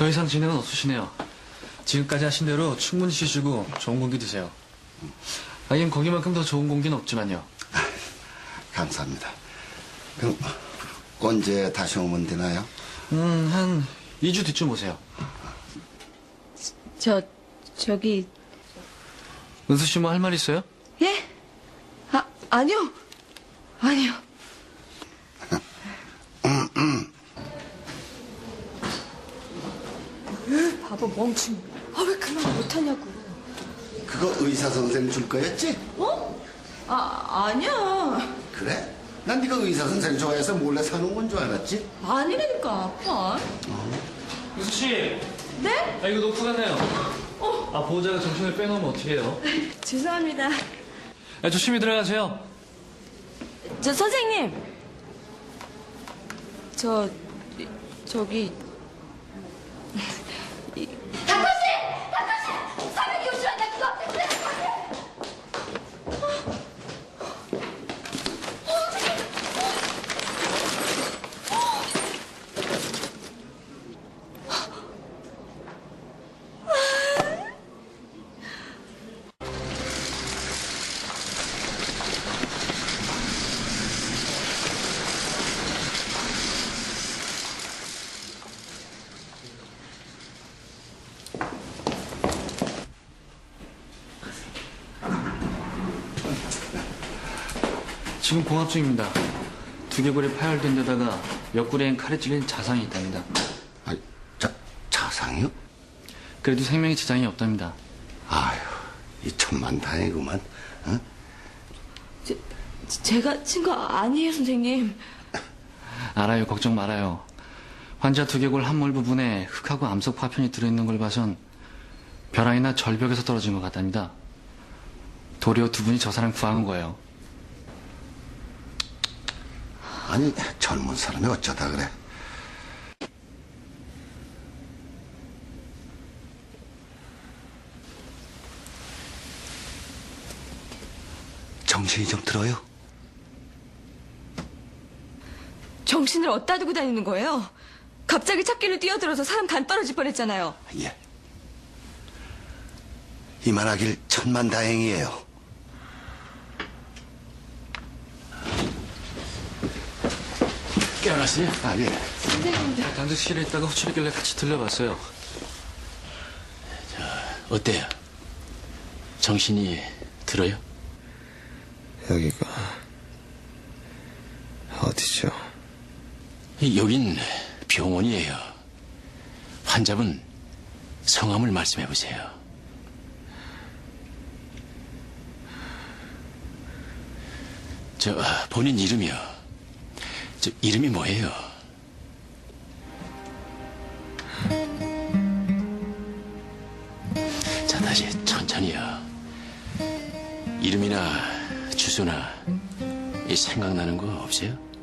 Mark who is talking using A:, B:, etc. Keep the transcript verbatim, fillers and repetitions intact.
A: 더 이상 진행은 없으시네요. 지금까지 하신 대로 충분히 쉬시고 좋은 공기 드세요. 하긴 거기만큼 더 좋은 공기는 없지만요.
B: 감사합니다. 그럼 언제 다시 오면 되나요?
A: 음, 한 이 주 뒤쯤 오세요.
C: 저, 저기,
A: 은수 씨 뭐 할 말 있어요?
C: 예? 아, 아니요. 아니요. 바보 멍충. 아, 왜 그 말 못하냐고.
B: 그거 의사 선생 줄 거였지?
C: 어? 아, 아니야.
B: 그래? 난 네가 의사 선생 좋아해서 몰래 사는 건 줄 알았지?
C: 아니라니까, 아빠.
A: 은수 씨!
C: 네?
A: 아, 이거 놓고 갔네요.
C: 어.
A: 아, 보호자가 정신을 빼놓으면 어떡해요?
C: 죄송합니다.
A: 아, 조심히 들어가세요.
C: 저, 선생님. 저, 저기.
D: 다코씨! 다코씨! 사백이 우주한다 그거! 그래,
A: 지금 공합 중입니다. 두개골이 파열된 데다가 옆구리엔 칼에 찔린 자상이 있답니다.
B: 아, 자, 자상이요?
A: 그래도 생명에 지장이 없답니다.
B: 아휴, 이 천만다행이구만. 어?
C: 제, 제가 친 거 아니에요, 선생님.
A: 알아요. 걱정 말아요. 환자 두개골 함몰 부분에 흙하고 암석 파편이 들어있는 걸 봐선 벼랑이나 절벽에서 떨어진 것 같답니다. 도리어 두 분이 저 사람 구한 거예요.
B: 아니, 젊은 사람이 어쩌다 그래? 정신이 좀 들어요?
C: 정신을 어디다 두고 다니는 거예요? 갑자기 찾길로 뛰어들어서 사람 간 떨어질 뻔했잖아요.
B: 예. 이만하길 천만다행이에요.
A: 깨어났어요?
B: 아, 예.
A: 당직실에 있다가 호출했길래 같이 들려봤어요.
E: 어때요? 정신이 들어요?
F: 여기가 어디죠?
E: 이- 여긴 병원이에요. 환자분 성함을 말씀해 보세요. 저 본인 이름이요. 저 이름이 뭐예요? 자, 다시 천천히요. 이름이나 주소나 이 생각나는 거 없어요?